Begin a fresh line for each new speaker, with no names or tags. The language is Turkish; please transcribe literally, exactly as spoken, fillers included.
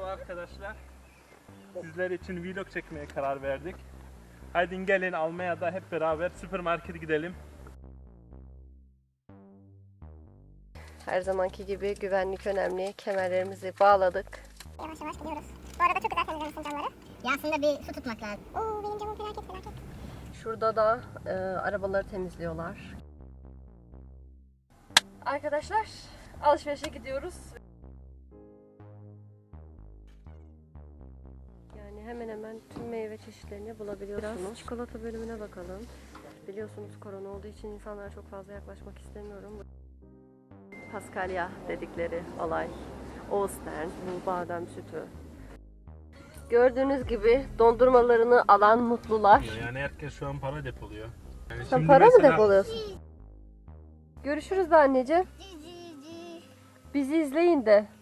arkadaşlar. Sizler için vlog çekmeye karar verdik. Haydi gelin Almanya'da hep beraber süpermarkete gidelim.
Her zamanki gibi güvenlik önemli. Kemerlerimizi bağladık.
Yavaş yavaş gidiyoruz. Bu arada çok güzel temizlemişsin camları. Ya aslında bir su tutmak lazım. Oo benim camım felaket felaket.
Şurada da e, arabaları temizliyorlar. Arkadaşlar alışverişe gidiyoruz. Yani hemen hemen tüm meyve çeşitlerini bulabiliyorsunuz. Biraz çikolata bölümüne bakalım. Biliyorsunuz korona olduğu için insanlara çok fazla yaklaşmak istemiyorum. Paskalya dedikleri olay. Ostern, bu badem sütü. Gördüğünüz gibi dondurmalarını alan mutlular.
Yani herkes şu an para depoluyor. Yani
Sen
şimdi
para mı
mesela-
depoluyorsun? Görüşürüz de anneciğim. Bizi izleyin de.